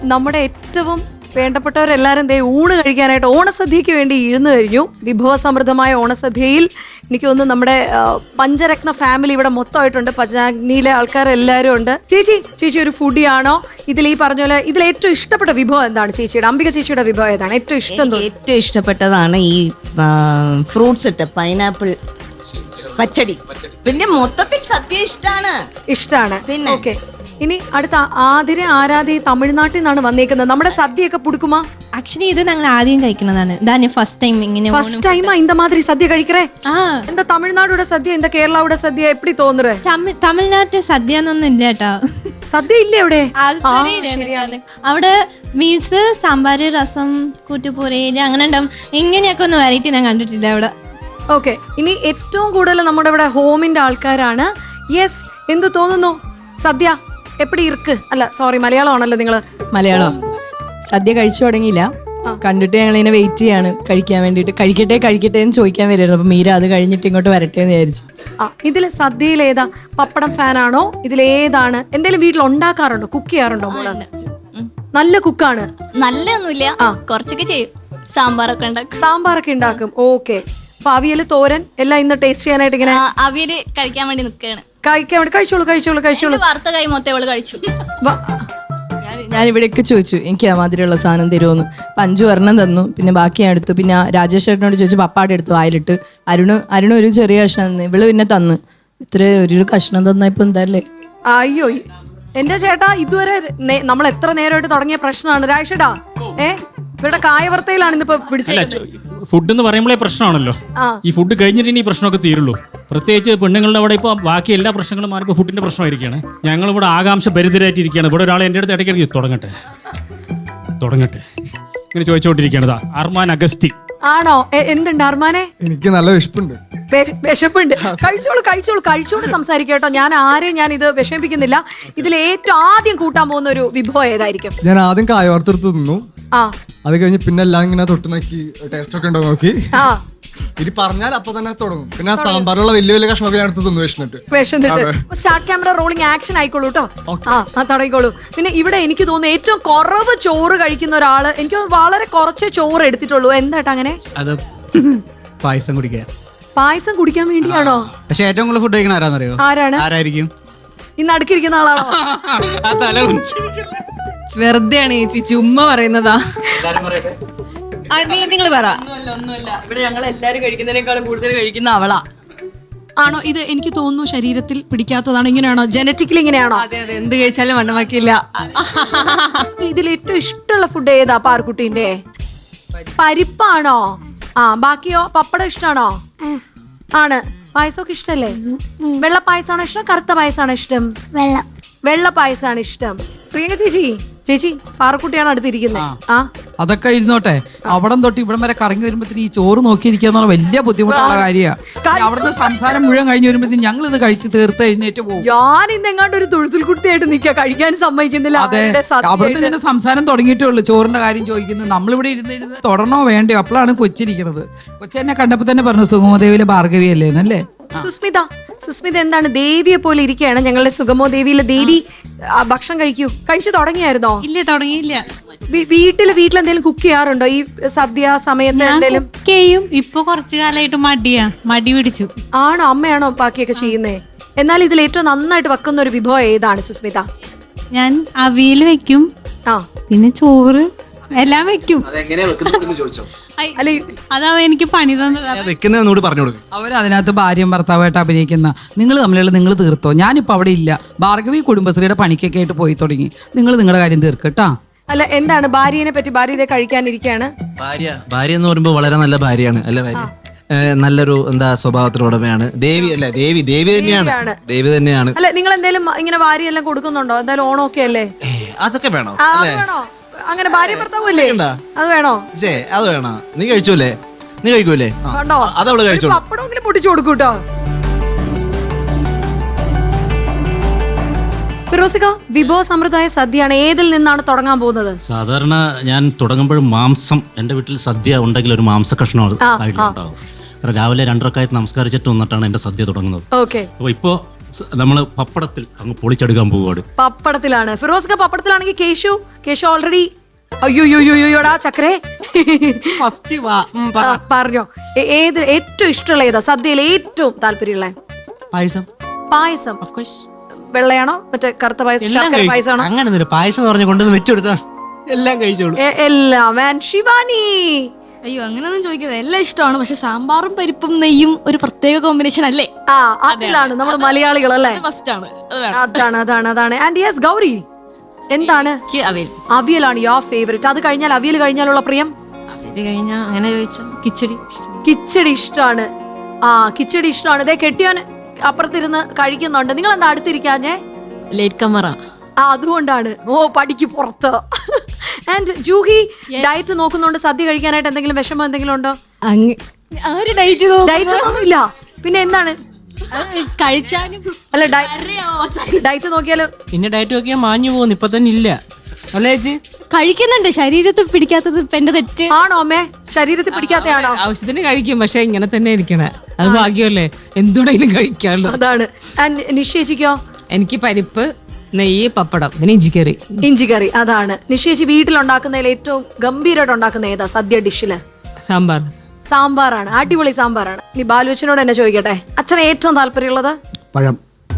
നമ്മുടെ ഏറ്റവും വേണ്ടപ്പെട്ടവരെല്ലാവരും ദേ ഊണ് കഴിക്കാനായിട്ട് ഓണസദ്യക്ക് വേണ്ടി ഇരുന്നു കഴിഞ്ഞു. വിഭവസമൃദ്ധമായ ഓണസദ്യയിൽ എനിക്ക് തോന്നുന്നു നമ്മുടെ പഞ്ചരത്ന ഫാമിലി ഇവിടെ മൊത്തമായിട്ടുണ്ട്. പഞ്ചാഗ്നിയിലെ ആൾക്കാരെല്ലാവരും ഉണ്ട്. ചേച്ചി ഒരു ഫുഡി ആണോ? ഇതിൽ ഈ പറഞ്ഞ പോലെ ഇതിൽ ഏറ്റവും ഇഷ്ടപ്പെട്ട വിഭവം എന്താണ് ചേച്ചിയുടെ? അംബിക ചേച്ചിയുടെ വിഭവം ഏതാണ് ഏറ്റവും ഇഷ്ടം? ഏറ്റവും ഇഷ്ടപ്പെട്ടതാണ് ഈ ഫ്രൂട്ട്സ് ഇട്ട് പൈനാപ്പിൾ പച്ചടി. പിന്നെ മൊത്തത്തിൽ സദ്യ ഇഷ്ടാണ്. പിന്നെ ഓക്കെ, ഇനി അടുത്ത ആരാധി തമിഴ്നാട്ടിൽ നിന്നാണ് വന്നേക്കുന്നത്. നമ്മുടെ സദ്യയൊക്കെ പുടുക്കുമാ? ആക്ച്വലി ഇത് ഞങ്ങൾ ആദ്യം കഴിക്കുന്നതാണ്. ഇതാണ് ഫസ്റ്റ് ടൈം ഇങ്ങനെ ഫസ്റ്റ് ടൈമാ இந்த மாதிரி സദ്യ കഴിക്കറേ? എന്താ തമിഴ്നാടോட സദ്യ എന്താ കേരളോட സദ്യ എപ്പടി തോന്നുറേ? തമിഴ്നാട്ടിൽ സദ്യ എന്നൊന്നും ഇല്ല കേട്ടോ. സദ്യ ഇല്ല അവിടെ? അവിടെ മീൽസ് സാമ്പാർ, രസം, കൂട്ടുപൂരയില് അങ്ങനെ ഉണ്ടാവും. ഇങ്ങനെയൊക്കെ ഒന്ന് വെറൈറ്റി ഞാൻ കണ്ടിട്ടില്ല അവിടെ. ഓക്കെ, ഇനി ഏറ്റവും കൂടുതൽ നമ്മുടെ ഇവിടെ ഹോമിന്റെ ആൾക്കാരാണ്. യെസ്, എന്ത് തോന്നുന്നു? സദ്യ എപ്പടി ഇർക്ക്? അല്ല സോറി, മലയാളമാണല്ലോ നിങ്ങള്? മലയാളം. സദ്യ കഴിച്ചു തുടങ്ങിയില്ല, കണ്ടിട്ട് ഞങ്ങൾ ഇങ്ങനെ വെയിറ്റ് ചെയ്യാണ് കഴിക്കാൻ വേണ്ടിട്ട്. കഴിക്കട്ടെ എന്ന് ചോദിക്കാൻ വരുമായിരുന്നു. അപ്പൊ മീര അത് കഴിഞ്ഞിട്ട് ഇങ്ങോട്ട് വരട്ടെ എന്ന് വിചാരിച്ചു. ഇതില് സദ്യയിൽ ഏതാ? പപ്പടം ഫാനാണോ? ഇതിലേതാണ്? എന്തെങ്കിലും വീട്ടിൽ ഉണ്ടാക്കാറുണ്ടോ? കുക്ക് ചെയ്യാറുണ്ടോ മോള്? നല്ല കുക്കാണ്? നല്ലൊന്നുമില്ല, കുറച്ചൊക്കെ ചെയ്യും. സാമ്പാറൊക്കെ ഉണ്ടാക്കും. ഓക്കെ, അപ്പൊ അവിയല്, തോരൻ എല്ലാം ഇന്ന് ടേസ്റ്റ് ചെയ്യാനായിട്ട് ഇങ്ങനെ അവിയല് കഴിക്കാൻ വേണ്ടി നിൽക്കുകയാണ്. കഴിച്ചോളൂ. വറുത്ത കൈ മൊത്തം അവള് കഴിച്ചു. ഞാൻ ഇവിടെയൊക്കെ ചോദിച്ചു എനിക്ക് ആ മാതിരിയുള്ള സാധനം തരുമോന്ന്. അപ്പൊ 5 ഒരെണ്ണം തന്നു, പിന്നെ ബാക്കി ഞാൻ എടുത്തു. പിന്നെ രാജേഷ് ചേട്ടനോട് ചോദിച്ചു, പപ്പാടെ എടുത്തു വായിലിട്ട്. അരുണ് ഒരു ചെറിയ കഷ്ണം തന്നു, ഇവള് പിന്നെ തന്നു. ഇത്ര ഒരു കഷ്ണം തന്ന ഇപ്പൊ എന്താല്ലേ? അയ്യോ എന്റെ ചേട്ടാ, ഇതുവരെ നമ്മൾ എത്ര നേരമായിട്ട് തുടങ്ങിയ പ്രശ്നമാണ് രാജേഷേട്ടാ. ഇവിടെ കായവർത്തയിലാണ് ഇന്നിപ്പോ പിടിച്ചത്. ഫുഡ് എന്ന് പറയുമ്പോഴേ പ്രശ്നമാണല്ലോ. ഈ ഫുഡ് കഴിഞ്ഞിട്ട് ഇനി ഈ പ്രശ്നമൊക്കെ തീരുള്ളൂ. പ്രത്യേകിച്ച് പെണ്ണുങ്ങളുടെ അവിടെ ഇപ്പോൾ ബാക്കി എല്ലാ പ്രശ്നങ്ങളും മാറിപ്പോൾ ഫുഡിന്റെ പ്രശ്നമായിരിക്കുകയാണ്. ഞങ്ങളിവിടെ ആകാംക്ഷ ഭരിതരായിട്ടിരിക്കുകയാണ്. ഇവിടെ ഒരാൾ എൻ്റെ അടുത്ത് ഇടയ്ക്കിടയ്ക്ക് തുടങ്ങട്ടെ ഇങ്ങനെ ചോദിച്ചുകൊണ്ടിരിക്കുകയാണ്. അർമാൻ അഗസ്തി ആണോ? എന്തുണ്ട് അർമാനെ? എനിക്ക് നല്ല വിശപ്പുണ്ട്. വിശപ്പുണ്ട്? കഴിച്ചോളൂ സംസാരിക്കട്ടോ. ഞാൻ ഇത് വിഷമിപ്പിക്കുന്നില്ല. ഇതിൽ ഏറ്റവും ആദ്യം കൂട്ടാൻ പോകുന്ന ഒരു വിഭവം ഏതായിരിക്കും? ഞാൻ ആദ്യം കായവറുത്തെടുത്ത് തിന്നു. അത് കഴിഞ്ഞ് പിന്നെ എല്ലാം ഇങ്ങനെ തൊട്ട് നോക്കി ടേസ്റ്റ് ഒക്കെ ഉണ്ടോ നോക്കി. ഇനി പറഞ്ഞാൽ അപ്പൊ തന്നെ തുടങ്ങും. പിന്നെ സാമ്പാറുള്ള വലിയ കഷ്ണമൊക്കെ ഞാൻ എടുത്ത് തിന്നു വിശന്നിട്ട്. സ്റ്റാർട്ട് ക്യാമറ റോളിംഗ് ആക്ഷൻ ആയിക്കോളൂ കേട്ടോ. തുടങ്ങിക്കോളൂ. പിന്നെ ഇവിടെ എനിക്ക് തോന്നുന്നു ഏറ്റവും കുറവ് ചോറ് കഴിക്കുന്ന ഒരാള്, എനിക്ക് വളരെ കുറച്ചേ ചോറ് എടുത്തിട്ടുള്ളൂ. എന്താട്ടാ അങ്ങനെ? അത് പായസം കുടിക്കാൻ. പായസം കുടിക്കാൻ വേണ്ടിയാണോ? പക്ഷെ ഏറ്റവും കൂടുതൽ ഫുഡ് കഴിക്കണ ആരാന്നറിയോ? ആരായിരിക്കും? ഇന്ന് അടുക്കിരിക്കുന്ന ആളാണോ? വെറുതെയാണ് ചേച്ചി, ചുമ്മാ പറയുന്നതാ. നിങ്ങൾ പറ. ഒന്നുമില്ല. ഇവിടെ ഞങ്ങൾ എല്ലാരും കഴിക്കുന്നതിനേക്കാളും കൂടുതൽ കഴിക്കുന്ന അവളാ. ആണോ? ഇത് എനിക്ക് തോന്നുന്നു ശരീരത്തിൽ പിടിക്കാത്തതാണ്. ഇങ്ങനെയാണോ? ജനറ്റിക്കലി ഇങ്ങനെയാണോ? അതെ, എന്ത് കഴിച്ചാലും വണ്ണമാക്കില്ല. ഇതിൽ ഏറ്റവും ഇഷ്ടമുള്ള ഫുഡ് ഏതാ പാർക്കുട്ടീന്റെ? പരിപ്പാണോ? ബാക്കിയോ? പപ്പടം ഇഷ്ടമാണോ? ആണ്. പായസമൊക്കെ ഇഷ്ടല്ലേ? വെള്ള പായസമാണോ ഇഷ്ടം, കറുത്ത പായസമാണോ ഇഷ്ടം? വെള്ള പായസമാണ് ഇഷ്ടം. പ്രിയങ്ക ചേച്ചി പാറക്കുട്ടിയാണ് അടുത്തിരിക്കുന്നത്. അതൊക്കെ ഇരുന്നോട്ടെ. അവിടം തൊട്ട് ഇവിടം വരെ കറങ്ങി വരുമ്പോഴത്തേന് ഈ ചോറ് നോക്കിയിരിക്കുക എന്ന് പറഞ്ഞാൽ വലിയ ബുദ്ധിമുട്ടുള്ള കാര്യമാണ്. അവിടുത്തെ സംസാരം മുഴുവൻ കഴിഞ്ഞ് വരുമ്പോഴത്തേന് ഞങ്ങൾ ഇത് കഴിച്ച് തീർത്ത് എഴുന്നേറ്റ് പോകും. ഞാൻ ഇന്ന് എങ്ങാണ്ട് ഒരു തൊഴുത്തിൽ കുട്ടിയായിട്ട് നിൽക്കുക, കഴിക്കാൻ സമ്മതിക്കുന്നില്ല. അതെ, അവിടുത്തെ ഇങ്ങനെ സംസാരം തുടങ്ങിയിട്ടേ ഉള്ളൂ. ചോറിന്റെ കാര്യം ചോദിക്കുന്നത്. നമ്മളിവിടെ ഇരുന്ന് തുടരണോ വേണ്ടയോ? അപ്പോഴാണ് കൊച്ചിരിക്കുന്നത്. കൊച്ചെന്നെ കണ്ടപ്പോ തന്നെ പറഞ്ഞു സുഗമദേവിയിലെ ഭാർഗവി അല്ലേന്നല്ലേ. സുസ്മിത എന്താണ് ദേവിയെ പോലെ ഇരിക്കുകയാണ്. ഞങ്ങളുടെ സുഗമോ ദേവിയിലെ ദേവി ഭക്ഷണം കഴിച്ചു തുടങ്ങിയായിരുന്നോ? ഇല്ല, തുടങ്ങിയില്ല. വീട്ടിലെന്തെങ്കിലും കുക്ക് ചെയ്യാറുണ്ടോ ഈ സദ്യ സമയത്ത്? എന്തെങ്കിലും ചെയ്യും. ഇപ്പൊ കുറച്ചു കാലമായിട്ട് മടി പിടിച്ചു. ആണോ? അമ്മയാണോ ബാക്കിയൊക്കെ ചെയ്യുന്നേ? എന്നാൽ ഇതിൽ ഏറ്റവും നന്നായിട്ട് വെക്കുന്ന ഒരു വിഭവം ഏതാണ് സുസ്മിത? ഞാൻ അവിയൽ വെക്കും, പിന്നെ ചോറ് എല്ലാം വെക്കും. അതാ എനിക്ക് പണി വെക്കുന്നോട് പറഞ്ഞു കൊടുക്കും. അവരതിനകത്ത് ഭാര്യയും ഭർത്താവായിട്ട് അഭിനയിക്കുന്ന നിങ്ങൾ തമ്മിലുള്ള നിങ്ങൾ തീർത്തോ. ഞാനിപ്പോ അവിടെ ഇല്ല. ഭാർഗവി കുടുംബശ്രീയുടെ പണിക്കൊക്കെ ആയിട്ട് പോയി തുടങ്ങി. നിങ്ങൾ നിങ്ങളുടെ കാര്യം തീർക്കട്ടാ. അല്ല, എന്താണ് ഭാര്യനെ പറ്റി? ഭാര്യ ഇതേ കഴിക്കാനിരിക്കുകയാണ്. ഭാര്യ എന്ന് പറയുമ്പോൾ വളരെ നല്ല ഭാര്യയാണ്. അല്ല, ഭാര്യ നല്ലൊരു സ്വഭാവത്തിലുടമയാണ്. ദേവി തന്നെയാണ്. അല്ല, നിങ്ങൾ എന്തെങ്കിലും ഇങ്ങനെ ഭാര്യ എല്ലാം കൊടുക്കുന്നുണ്ടോ? എന്തായാലും ഓണമൊക്കെ അല്ലേ? അതൊക്കെ വേണോ? അങ്ങനെ ഭാര്യ ഭർത്താവല്ലേ? അത് വേണോ? അത് വേണോ? നീ കഴിക്കൂലേ? അതവള് കഴിച്ചോ. പപ്പടമെങ്കിലും പൊട്ടിച്ചു കൊടുക്കൂട്ടോ. ഫിറോസിക, വിഭവ സമ്പ്രദായ സദ്യയാണ്. ഏതിൽ നിന്നാണ് തുടങ്ങാൻ പോകുന്നത്? സാധാരണ ഞാൻ തുടങ്ങുമ്പോഴും മാംസം, എൻ്റെ വീട്ടിൽ സദ്യ ഉണ്ടെങ്കിൽ ഒരു മാംസ കഷ്ണം സൈഡിലുണ്ടാവും. രാവിലെ 2 റക്അത്ത് നമസ്കരിച്ചിട്ട് വന്നിട്ടാണ് എൻ്റെ സദ്യ തുടങ്ങുന്നത്. ഓക്കെ. അപ്പോൾ ഇപ്പോൾ നമ്മൾ പപ്പടത്തിൽ അങ്ങ് പൊളിച്ചെടുക്കാൻ പോവുകയാണ്. പപ്പടത്തിലാണ് ഫിറോസ്ക. പപ്പടത്തിലാണെങ്കിൽ കേശു ഓൾറെഡി അയ്യോടാ ചക്കരേ പറഞ്ഞോ. ഏത് ഏറ്റവും ഇഷ്ടമുള്ള ഏതാ സദ്യയിൽ ഏറ്റവും താല്പര്യമുള്ള? പായസം. വെള്ളയാണോ മറ്റേ കറുത്ത പായസം, ശർക്കര പായസമാണോ? അങ്ങനെ പായസം പറഞ്ഞ കൊണ്ടുവന്ന് വെച്ചുകൊടുത്താ എല്ലാം കഴിച്ചോളൂ. എല്ലാം. ശിവാനി? അയ്യോ അങ്ങനെയൊന്നും ചോദിക്കരുത്, എല്ലാം ഇഷ്ടമാണ്. പക്ഷെ സാമ്പാറും പരിപ്പും നെയ്യും ഒരു പ്രത്യേക കോമ്പിനേഷൻ അല്ലേ? അതിലാണ് നമ്മൾ മലയാളികൾ അല്ലേ? അതാണ്. ആൻഡ് യെസ് ഗൗരി, എന്താണ്? അവിയലാണ് യുവർ ഫേവറേറ്റ്. അത് കഴിഞ്ഞാൽ അവിയൽ കഴിഞ്ഞാലുള്ള പ്രിയം? അങ്ങനെ ചോദിച്ചാൽ കിച്ചടി ഇഷ്ടമാണ്. കിച്ചടി ഇഷ്ടമാണ്. ഇതേ കെട്ടിയോൻ അപ്പുറത്തിരുന്ന് കഴിക്കുന്നുണ്ട്. നിങ്ങൾ എന്താ അടുത്തിരിക്കാഞ്ഞേ? ലേറ്റ് കമറ. അതുകൊണ്ടാണ്. പടിക്ക് പുറത്ത്. ആൻഡ് ജൂഹി ഡയറ്റ് നോക്കുന്നുണ്ട്. സദ്യ കഴിക്കാനായിട്ട് എന്തെങ്കിലും വിഷമം എന്തെങ്കിലും ഉണ്ടോ? ഡയറ്റ് ഒന്നുമില്ല. പിന്നെ എന്താണ് കഴിച്ചാലും? അല്ല ഡയറ്റ് നോക്കിയാലോ? പിന്നെ ഡയറ്റ് നോക്കിയാൽ മാഞ്ഞു പോകുന്നു. ഇപ്പൊ തന്നെ ഇല്ല അല്ലേ ചേച്ചി? കഴിക്കുന്നുണ്ട്, ശരീരത്തിൽ പിടിക്കാത്തത് എന്റെ തെറ്റ് ആണോ അമ്മേ? ശരീരത്തിൽ പിടിക്കാത്തയാണോ? ആവശ്യത്തിന് കഴിക്കും, പക്ഷെ ഇങ്ങനെ തന്നെ ഇരിക്കണേ. അത് ഭാഗ്യമല്ലേ, എന്തുകൊണ്ടെങ്കിലും കഴിക്കാമല്ലോ. അതാണ്. ആൻഡ് നിശ്ചയിച്ചിക്കോ? എനിക്ക് പരിപ്പ്, നെയ്യ്, പപ്പടം, പിന്നെ ഇഞ്ചിക്കറി. ഇഞ്ചിക്കറി. അതാണ്. നിശ്ചയിച്ച് വീട്ടിലുണ്ടാക്കുന്നതിൽ ഏറ്റവും ഗംഭീരമായിട്ട് ഉണ്ടാക്കുന്ന ഏതാ സദ്യ ഡിഷില്? സാമ്പാറാണ്. അടിപൊളി സാമ്പാറാണ്. ഇനി ബാലുവച്ചനോട് എന്നെ ചോദിക്കട്ടെ, അച്ഛന് ഏറ്റവും താല്പര്യമുള്ളത്? പഴം.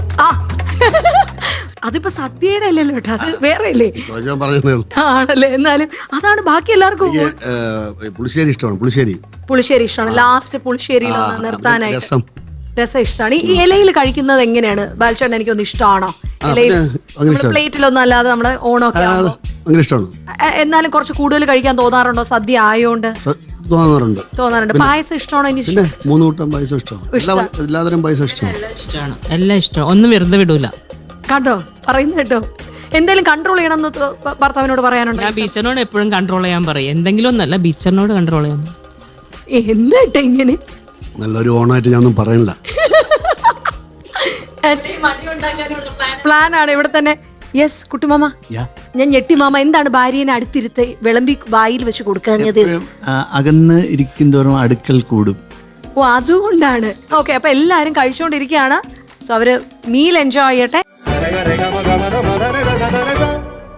അതിപ്പോ സദ്യയുടെ അല്ലല്ലോ കേട്ടോ, അത് വേറെ അല്ലേ? ആണല്ലേ? എന്നാലും അതാണ് ബാക്കി എല്ലാവർക്കും. പുളിശ്ശേരി ഇഷ്ടമാണ്. പുളിശ്ശേരി ഇഷ്ടമാണ്. ലാസ്റ്റ് പുളിശ്ശേരിയിൽ നിർത്താനായിട്ട് രസം ഇഷ്ടമാണ്. ഈ ഇലയിൽ കഴിക്കുന്നത് എങ്ങനെയാണ് ബാലചേട്ടൻ? എനിക്കൊന്ന് ഇഷ്ടമാണോ ഇലയിൽ? പ്ലേറ്റിലൊന്നും അല്ലാതെ നമ്മുടെ ഓണമൊക്കെ എന്നാലും കുറച്ച് കൂടുതൽ കഴിക്കാൻ തോന്നാറുണ്ടോ സദ്യ ആയോണ്ട്? തോന്നാറുണ്ട്. പായസം ഇഷ്ടമാണോ? എനിക്ക് 3 കൂട്ടം പായസം ഇഷ്ടമാണ്. എല്ലാതരം പായസം ഇഷ്ടമാണ്. എല്ലാം ഇഷ്ടം. ഒന്നും വെറുതെ വിടൂല. കണ്ടോ പറയുന്നത് കേട്ടോ. എന്തെങ്കിലും കൺട്രോൾ ചെയ്യണം എന്ന് ഭർത്താവിനോട് പറയാനുണ്ടോ? ഞാൻ ബീച്ചറിനോട് എപ്പോഴും കൺട്രോൾ ചെയ്യാൻ പറയും. എന്തെങ്കിലും ഒന്നല്ല, ബീച്ചറിനോട് കൺട്രോൾ ചെയ്യാൻ. എന്നിട്ട് ഇങ്ങനെ നല്ലൊരു ഓണമായിട്ട് ഞാനൊന്നും പറയണില്ല. പ്ലാൻ ആണ് ഇവിടെ തന്നെ. യെസ് കുട്ടിമാമ, ഞാൻ ഞെട്ടി മാമ. എന്താണ് ഭാര്യനെ അടുത്തിരുത്ത് വിളമ്പി വായിൽ വെച്ച് കൊടുക്കാഞ്ഞത്? അകന്ന് ഇരിക്കുന്തോറും അടുക്കൽ കൂടും. അതുകൊണ്ടാണ്. ഓക്കെ, അപ്പൊ എല്ലാരും കഴിച്ചോണ്ടിരിക്കുകയാണ്. സോ അവര് മീൽ എൻജോയ് ചെയ്യട്ടെ.